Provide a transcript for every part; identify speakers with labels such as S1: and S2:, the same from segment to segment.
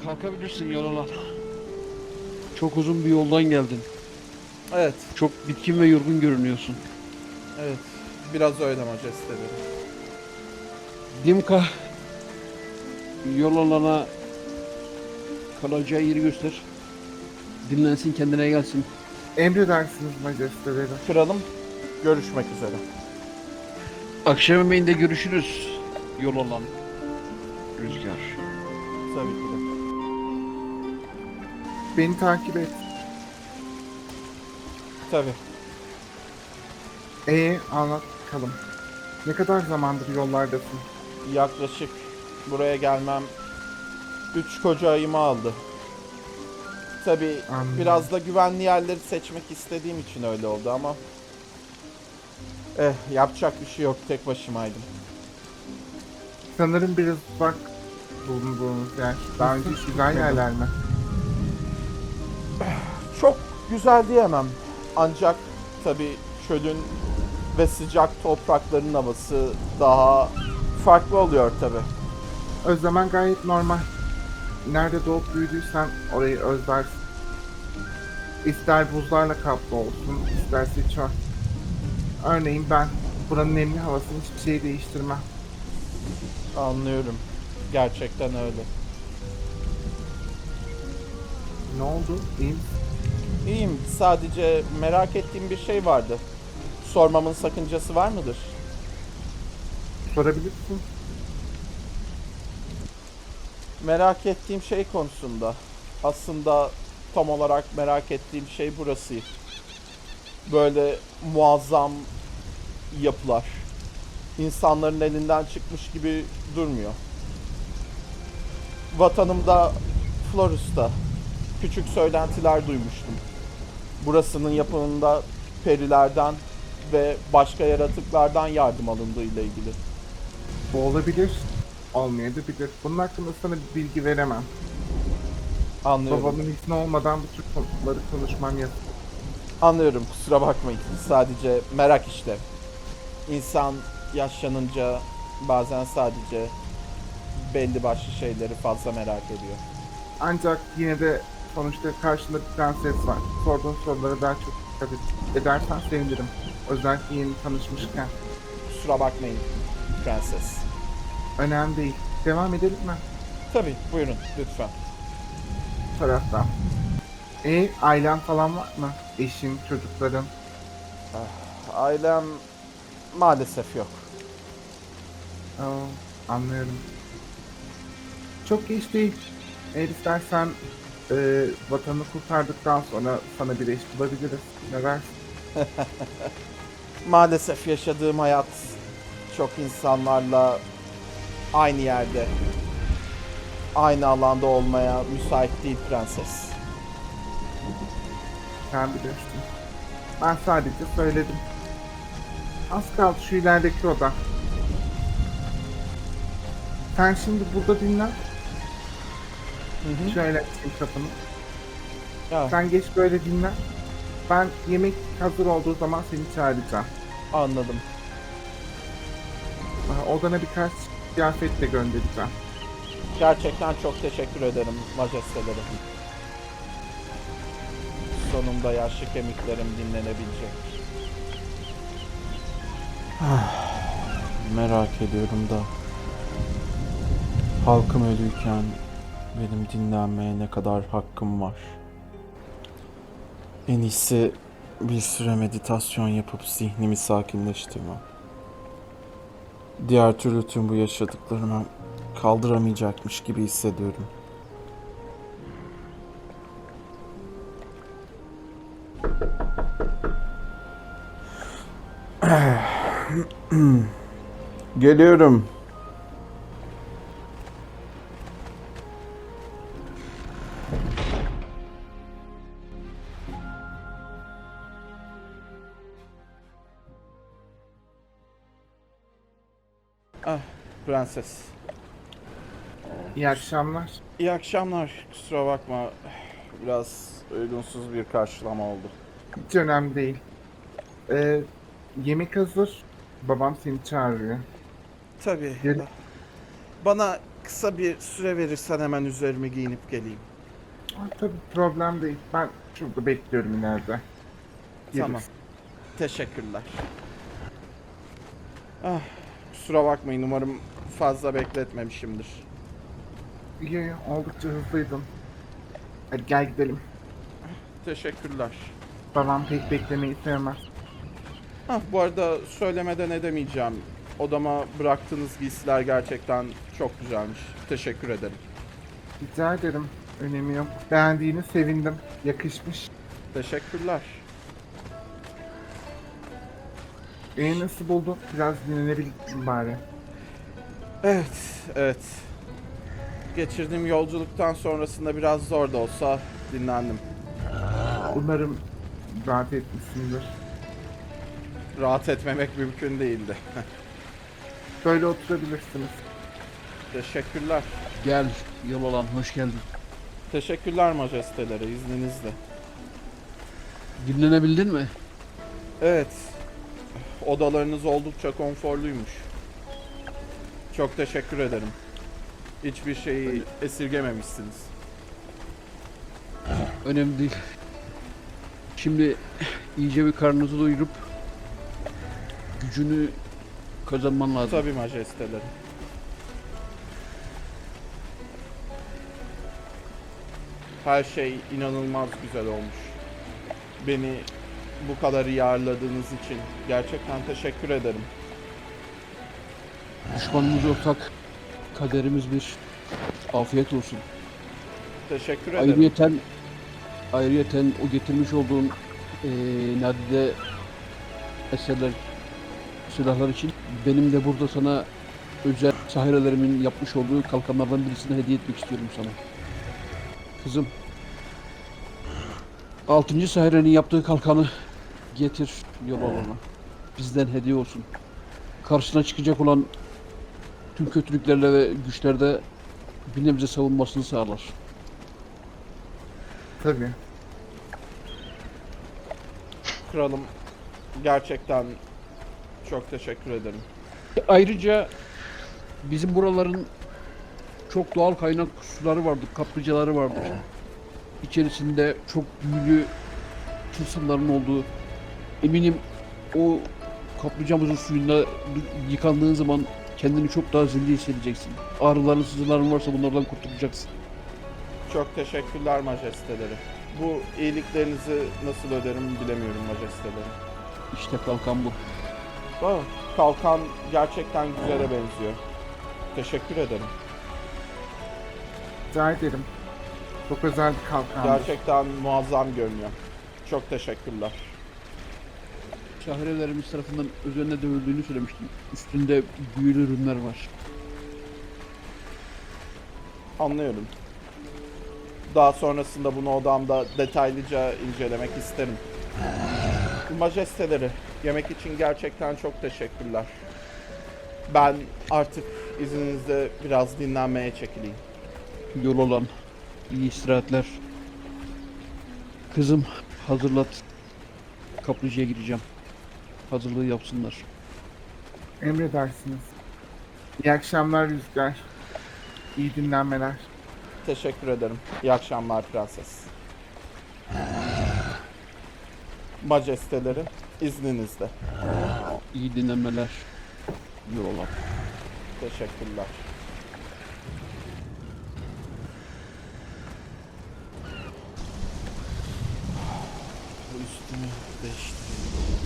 S1: Kalkabilirsin yol alan. Çok uzun bir yoldan geldin.
S2: Evet,
S1: Çok bitkin ve yorgun görünüyorsun.
S2: evet. Biraz öyle majesteleri.
S1: Dimka yol alana kalacağı yeri göster. Dinlensin, kendine gelsin.
S3: Emredersiniz majesteleri.
S2: Kralım, görüşmek üzere.
S1: Akşam yemeğinde görüşürüz. Yol alan. Rüzgar.
S2: Tabii ki de.
S3: Beni takip et.
S2: Tabii.
S3: Anlat bakalım. Ne kadar zamandır yollardasın?
S2: Yaklaşık buraya gelmem 3 koca ayımı aldı. Tabii
S3: Anladım.
S2: biraz da güvenli yerleri seçmek istediğim için öyle oldu ama yapacak bir şey yok, tek başımaydım.
S3: Sanırım biraz uzak bulunduğunuz yer. Daha önce hiç güzel yerler mi?
S2: Çok güzel diyemem. Ancak tabii çölün ve sıcak toprakların havası daha farklı oluyor tabii.
S3: Özlemen gayet normal. Nerede doğup büyüdüysen orayı özlersin. İster buzlarla kaplı olsun, isterse çöl. Örneğin ben buranın nemli havasını hiçbir şey değiştirmem.
S2: Anlıyorum. Gerçekten öyle.
S3: Ne oldu? İyi misin?
S2: İyiyim. Sadece merak ettiğim bir şey vardı. Sormamın sakıncası var mıdır?
S3: Sorabilirsin.
S2: Merak ettiğim şey konusunda. Aslında tam olarak merak ettiğim şey burası. Böyle muazzam yapılar. İnsanların elinden çıkmış gibi durmuyor. Vatanımda Florus'ta küçük söylentiler duymuştum. Burasının yapımında perilerden ve başka yaratıklardan yardım alındığı ile ilgili.
S3: Bu olabilir. Olmayabilir. Bunun hakkında sana bir bilgi veremem.
S2: Anlıyorum.
S3: Babamın izni olmadan bu tür konuları konuşmam yasak.
S2: Anlıyorum, kusura bakmayın. Sadece merak işte. İnsan yaşlanınca bazen sadece belli başlı şeyleri fazla merak ediyor.
S3: Ancak yine de sonuçta karşında bir prenses var. Sorduğun sorulara daha çok dikkat edersen sevinirim. Özellikle yeni tanışmışken.
S2: Kusura bakmayın prenses.
S3: Önemli değil. Devam edelim mi?
S2: Tabii, buyurun lütfen.
S3: Bu taraftan. Ailen falan var mı? Eşin, çocukların.
S2: Ailem maalesef yok.
S3: Anlıyorum. Çok geç değil. Eğer istersen vatanı kurtardıktan sonra sana bir eş bulabiliriz. Ne dersin?
S2: Maalesef yaşadığım hayat çok insanlarla aynı yerde, aynı alanda olmaya müsait değil prenses.
S3: Sen bilirsin. Ben sadece söyledim. Az kaldı şu ilerideki oda. Sen şimdi burada dinlen. Şöyle açayım kapını.
S2: Ya,
S3: Sen geç böyle dinlen. Ben yemek hazır olduğu zaman seni çağıracağım.
S2: anladım.
S3: Odana birkaç kıyafet de göndereceğim.
S2: Gerçekten çok teşekkür ederim majesteleri. Sonunda yaşlı kemiklerim dinlenebilecek. Merak ediyorum da halkım ölüyken benim dinlenmeye ne kadar hakkım var? En iyisi bir süre meditasyon yapıp zihnimi sakinleştirmem. Diğer türlü tüm bu yaşadıklarımı kaldıramayacakmış gibi hissediyorum. Geliyorum. Ah, prenses.
S3: İyi akşamlar.
S2: İyi akşamlar. Kusura bakma. Biraz uygunsuz bir karşılama oldu.
S3: Hiç önemli değil. Ee, Yemek hazır. Babam seni çağırıyor.
S2: Tabii.
S3: Gel.
S2: Bana kısa bir süre verirsen hemen üzerime giyinip geleyim.
S3: Tabii problem değil. Ben şurada bekliyorum ileride. Geliriz.
S2: Tamam. Teşekkürler. Ah, kusura bakmayın, umarım fazla bekletmemişimdir.
S3: İyi, oldukça hızlıydın. Hadi gel gidelim.
S2: Teşekkürler.
S3: Babam pek beklemeyi sevmez.
S2: Bu arada söylemeden edemeyeceğim. Odama bıraktığınız giysiler gerçekten çok güzelmiş. Teşekkür ederim.
S3: Rica ederim. Önemi yok. Beğendiğini sevindim. Yakışmış.
S2: Teşekkürler.
S3: Nasıl buldun? Biraz dinlenebildin bari.
S2: Evet. Geçirdiğim yolculuktan sonrasında biraz zor da olsa dinlendim.
S3: Umarım rahat etmişsindir.
S2: Rahat etmemek mümkün değildi.
S3: Böyle oturabilirsiniz.
S2: Teşekkürler.
S1: Gel yol olan hoş geldin.
S2: Teşekkürler majesteleri, izninizle.
S1: Dinlenebildin mi?
S2: Evet. Odalarınız oldukça konforluymuş. Çok teşekkür ederim. Hiçbir şeyi esirgememişsiniz.
S1: Önemli değil. Şimdi iyice bir karnınızı doyurup gücünü kazanman lazım.
S2: Tabii majesteleri. Her şey inanılmaz güzel olmuş. Beni bu kadar iyi ağırladığınız için gerçekten teşekkür ederim.
S1: Düşmanımız ortak, kaderimiz bir. Afiyet olsun.
S2: Teşekkür ederim.
S1: Ayrıyeten o getirmiş olduğun nadide eserler, silahlar için benim de burada sana özel sahirelerimin yapmış olduğu kalkanlardan birisini hediye etmek istiyorum sana. Kızım, 6. sahirenin yaptığı kalkanı getir yol alana. Bizden hediye olsun. Karşısına çıkacak olan tüm kötülüklerle ve güçlerde bir nebze savunmasını sağlar.
S3: Tabii.
S2: Kralım, gerçekten çok teşekkür ederim.
S1: Ayrıca bizim buraların çok doğal kaynak suları vardır, kaplıcaları vardır. İçerisinde çok büyülü tılsımların olduğu. Eminim o kaplıcamızın suyunda yıkandığın zaman kendini çok daha zinde hissedeceksin. Ağrıların, sızıların varsa bunlardan kurtulacaksın.
S2: Çok teşekkürler majesteleri. Bu iyiliklerinizi nasıl öderim bilemiyorum majesteleri.
S1: İşte kalkan bu.
S2: Kalkan gerçekten güzele benziyor. Teşekkür ederim.
S3: Rica ederim. Çok özel bir kalkandır.
S2: Gerçekten muazzam görünüyor. Çok teşekkürler.
S1: Şahirelerimiz tarafından üzerine dövüldüğünü söylemiştim. Üstünde büyülü ürünler var.
S2: Anlıyorum. Daha sonrasında bunu odamda detaylıca incelemek isterim. Majesteleri, yemek için gerçekten çok teşekkürler. Ben artık izninizle biraz dinlenmeye çekileyim.
S1: Yol olan iyi istirahatler. Kızım hazırlat. Kaplıcaya gireceğim. Hazırlığı yapsınlar.
S3: Emredersiniz. İyi akşamlar Rüzgar. İyi dinlenmeler.
S2: Teşekkür ederim. İyi akşamlar prenses. Majesteleri, izninizle.
S1: İyi dinlenmeler. Yol olan.
S2: Teşekkürler. Bu üstümü değiştireyim.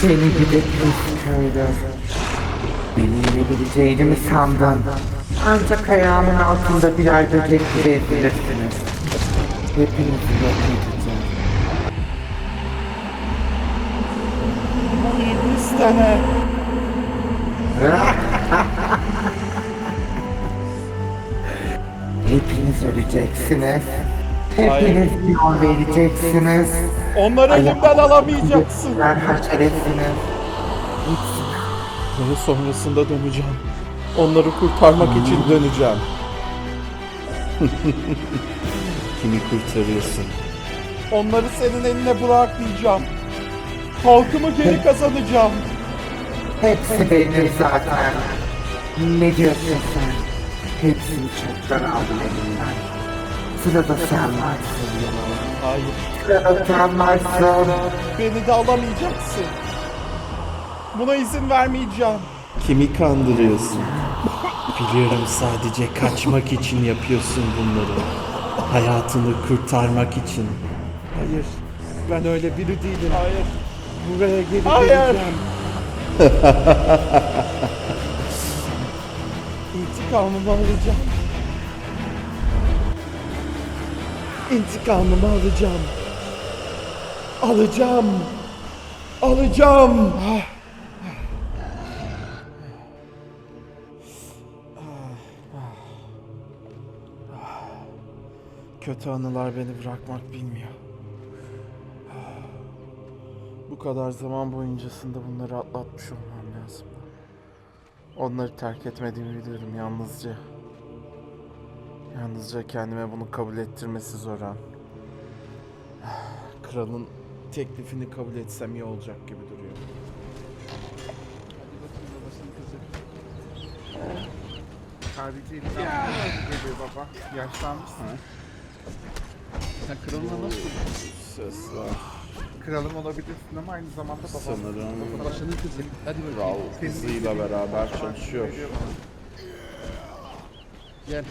S3: Seni gidi pis köylü. Beni yenebileceğini mi sandın? Ancak ayağımın altında birer böcek gibi ezilirsiniz. Hepinizi yok edeceğim.
S2: İstene.
S3: Hepiniz öleceksiniz.
S2: Hayır.
S3: Hepiniz yol vereceksiniz.
S2: Onları elimden alamayacaksın.
S3: Ayaklarınızı haşeresiniz.
S2: Ve sonrasında döneceğim. Onları kurtarmak için döneceğim. Kimi kurtarıyorsun? Onları senin eline bırakmayacağım. Halkımı geri kazanacağım.
S3: Hepsi benim zaten. Ne diyorsun sen? Hepsini çoktan aldım elimden. Sırada sen varsın.
S2: Hayır.
S3: Sırada sen varsın.
S2: Beni de alamayacaksın. Buna izin vermeyeceğim. Kimi kandırıyorsun? Biliyorum, sadece kaçmak için yapıyorsun bunları. Hayatını kurtarmak için. Hayır. Ben öyle biri değilim. Hayır. Buraya geri geleceğim. İntikamımı alacağım. İntikamımı alacağım. Alacağım. Alacağım. Kötü anılar beni bırakmak bilmiyor. Bu kadar zaman boyuncasında bunları atlatmış olmam lazım. Onları terk etmediğimi biliyorum yalnızca. Yalnızca kendime bunu kabul ettirmesi zor an. Kralın teklifini kabul etsem iyi olacak gibi duruyor.
S3: Sadece elinden geliyor baba. Yaşlanmışsın.
S1: Sen kralına nasıl?
S2: Ses var.
S3: Kralım olabilirsin ama aynı zamanda babam.
S2: Sanırım
S1: Babasının kızı. Hadi
S2: kral
S1: bakayım.
S2: kızıyla beraber çalışıyor.
S1: Gel.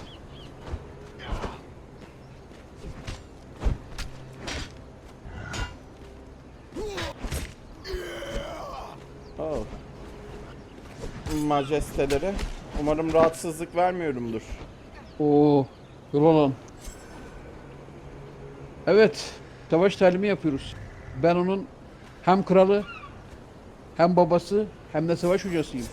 S2: Oh. Majesteleri, umarım rahatsızlık vermiyorumdur.
S1: Oo, yol olan. Evet, savaş talimi yapıyoruz. Ben onun hem kralı, hem babası, hem de savaş hocasıyım.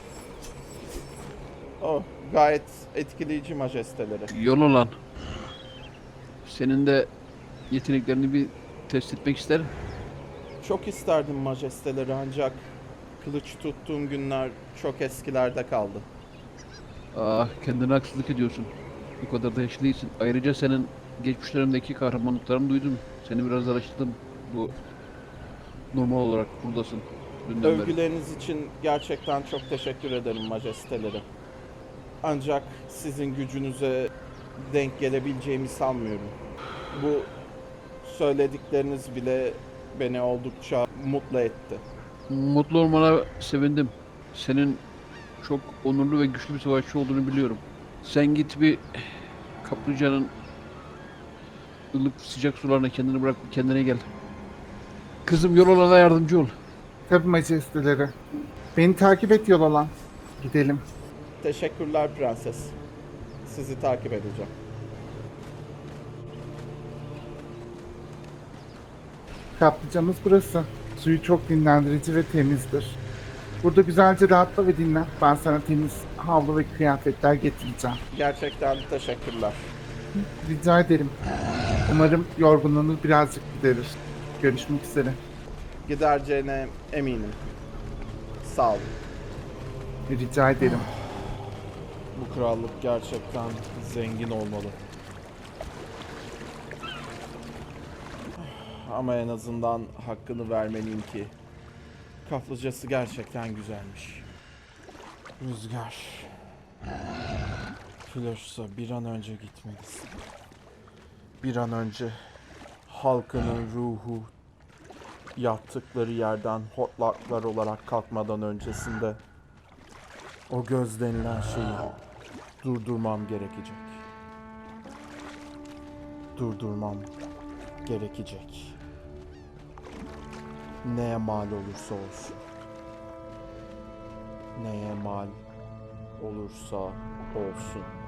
S2: Oh, gayet etkileyici majesteleri.
S1: Yol olan. Senin de yeteneklerini bir test etmek isterim.
S2: Çok isterdim majesteleri, ancak kılıç tuttuğum günler çok eskilerde kaldı.
S1: Ah, kendine haksızlık ediyorsun. Bu kadar da yaşlı değilsin. Ayrıca senin geçmişlerindeki kahramanlıklarını duydum. Seni biraz araştırdım. Bu normal olarak buradasın. Dünden beri.
S2: Övgüleriniz için gerçekten çok teşekkür ederim majesteleri. Ancak sizin gücünüze denk gelebileceğimi sanmıyorum. Bu söyledikleriniz bile beni oldukça mutlu etti.
S1: Mutlu olmana sevindim. Senin çok onurlu ve güçlü bir savaşçı olduğunu biliyorum. Sen git bir kaplıcanın ılık sıcak sularına kendini bırak, kendine gel. Kızım, yol olana yardımcı ol.
S3: Tabii majesteleri. Beni takip et yol alan. Gidelim.
S2: Teşekkürler prenses. Sizi takip edeceğim.
S3: Kaplıcamız burası. Suyu çok dinlendirici ve temizdir. Burada güzelce rahatla ve dinlen. Ben sana temiz havlu ve kıyafetler getireceğim.
S2: Gerçekten teşekkürler.
S3: Rica ederim. Umarım yorgunluğunu birazcık giderir. Görüşmek üzere.
S2: Gidereceğine eminim. Sağ olun.
S3: Rica ederim.
S2: Bu krallık gerçekten zengin olmalı. Ama en azından hakkını vermeliyim ki kaplıcası gerçekten güzelmiş. Rüzgar. Flörsa, bir an önce gitmelisin. Bir an önce halkının ruhu yattıkları yerden hortlaklar olarak kalkmadan öncesinde o göz denilen şeyi durdurmam gerekecek. Durdurmam gerekecek. Neye mal olursa olsun. Neye mal olursa olsun.